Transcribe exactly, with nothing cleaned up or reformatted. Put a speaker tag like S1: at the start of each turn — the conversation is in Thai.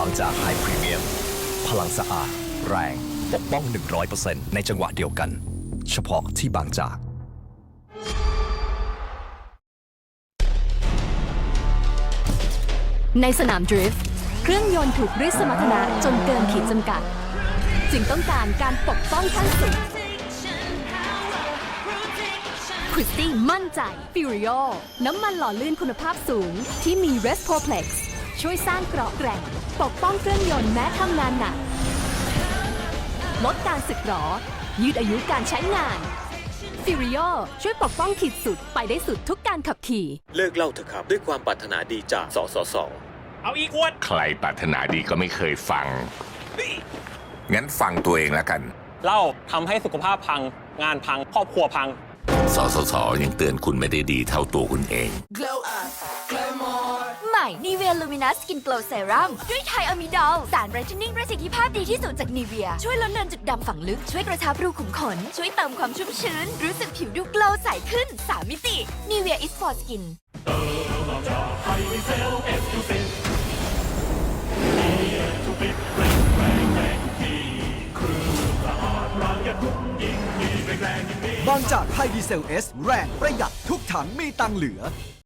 S1: างจากไฮพรีเมียมพลังสะอาดแรงปกป้อง หนึ่งร้อยเปอร์เซ็นต์ ในจังหวะเดียวกัน เฉพาะที่บางจาก
S2: ในสนามดริฟต์เครื่องยนต์ถูกริดสมรรถนะจนเกินขีดจำกัด จึงต้องการการปกป้องขั้นสุดคริสตี้มั่นใจ Furio น้ำมันหล่อลื่นคุณภาพสูงที่มี Respoplex ช่วยสร้างเกราะแกร่งปกป้องเครื่องยนต์แม้ทำงานหนักลดการสึกหรอยืดอายุการใช้งาน Furio ช่วยปกป้องขีดสุดไปได้สุดทุกการขับขี่
S3: เลิกเล่าเถอะครับด้วยความปรารถนาดีจากสสส
S4: เอาอีกขวด
S5: ใครปรารถนาดีก็ไม่เคยฟัง งั้นฟังตัวเองแล้วกัน
S4: เหล้าทำให้สุขภาพพัง งานพัง ครอบครัวพัง
S5: สสส ยังเตือนคุณไม่ได้ดีเท่าตัวคุณเอง
S6: ใหม่ Nivea Luminous Skin Glow Serum ด้วยไทอะมิดอลสารไบรท์เทนนิ่งประสิทธิภาพดีที่สุดจาก Nivea ช่วยลดเลือนจุดดำฝังลึก ช่วยกระชับรูขุมขน ช่วยเติมความชุ่มชื้น รู้สึกผิวดูโกลว์ใสขึ้น สาม มิติ Nivea is for skin
S7: บางจากไฮดีเซลเอสแรงประหยัดทุกถังมีตังเหลือ